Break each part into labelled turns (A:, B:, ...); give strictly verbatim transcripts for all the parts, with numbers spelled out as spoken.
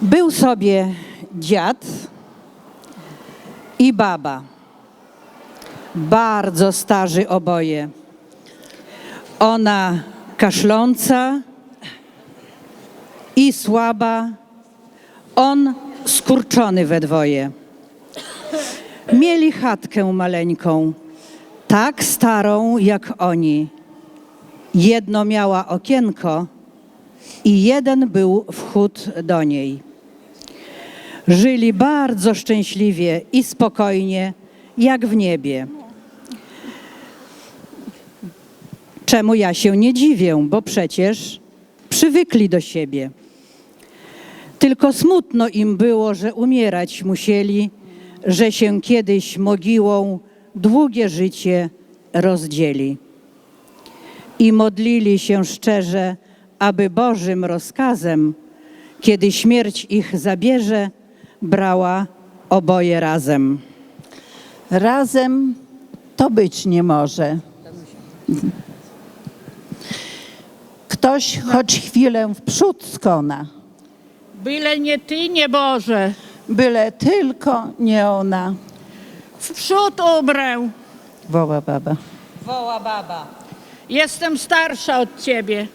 A: Był sobie dziad i baba, bardzo starzy oboje. Ona kaszląca i słaba, on skurczony we dwoje. Mieli chatkę maleńką, tak starą jak oni. Jedno miała okienko i jeden był wchód do niej. Żyli bardzo szczęśliwie i spokojnie, jak w niebie. Czemu ja się nie dziwię, bo przecież przywykli do siebie. Tylko smutno im było, że umierać musieli, że się kiedyś mogiłą długie życie rozdzieli. I modlili się szczerze, aby Bożym rozkazem, kiedy śmierć ich zabierze, brała oboje razem.
B: Razem to być nie może. Ktoś choć chwilę w przód skona,
C: Byle nie ty, nie Boże.
B: byle tylko nie ona.
C: W przód ubrę.
B: Woła baba.
A: Woła baba.
C: Jestem starsza od ciebie.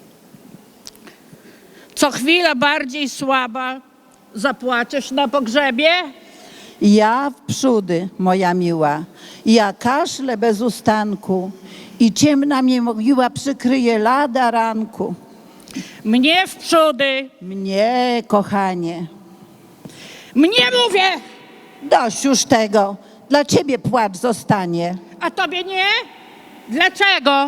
C: Co chwila bardziej słaba. Zapłaczesz na pogrzebie?
B: Ja w przódy, moja miła, ja kaszlę bez ustanku i ciemna mnie mogiła przykryje lada ranku.
C: Mnie w przódy.
B: Mnie, kochanie.
C: Mnie mówię,
B: Dość już tego, dla ciebie płacz zostanie.
C: a tobie nie? Dlaczego?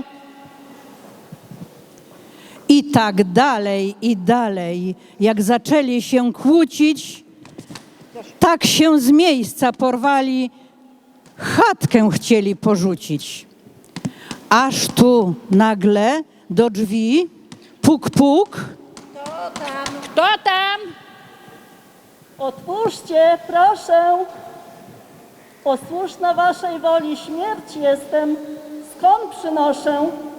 A: I tak dalej, i dalej. Jak zaczęli się kłócić, tak się z miejsca porwali, chatkę chcieli porzucić. Aż tu nagle do drzwi puk, puk.
C: Kto tam?
D: Otwórzcie, proszę. Posłuszna waszej woli śmierć jestem. Skąd przynoszę?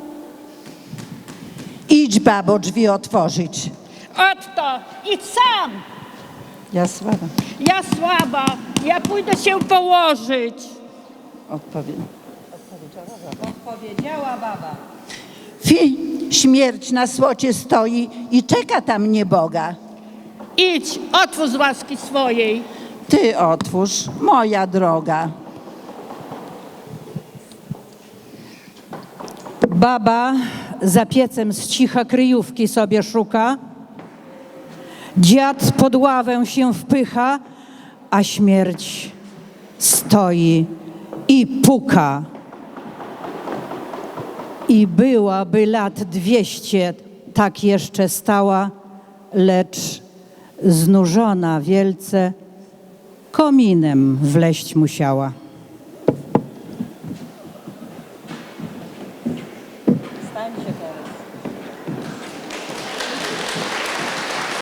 B: Idź, babo, drzwi otworzyć.
C: Otto, idź sam.
B: Ja słaba.
C: Ja słaba, ja pójdę się położyć.
B: Odpowiem.
A: Odpowiedziała baba.
B: Fi, śmierć na słocie stoi i czeka tam nieboga.
C: Idź, otwórz z łaski swojej.
B: Ty otwórz, moja droga.
A: Baba za piecem z cicha kryjówki sobie szuka. Dziad pod ławę się wpycha, a śmierć stoi i puka. I byłaby lat dwieście, tak jeszcze stała, lecz znużona wielce kominem wleść musiała. Stańcie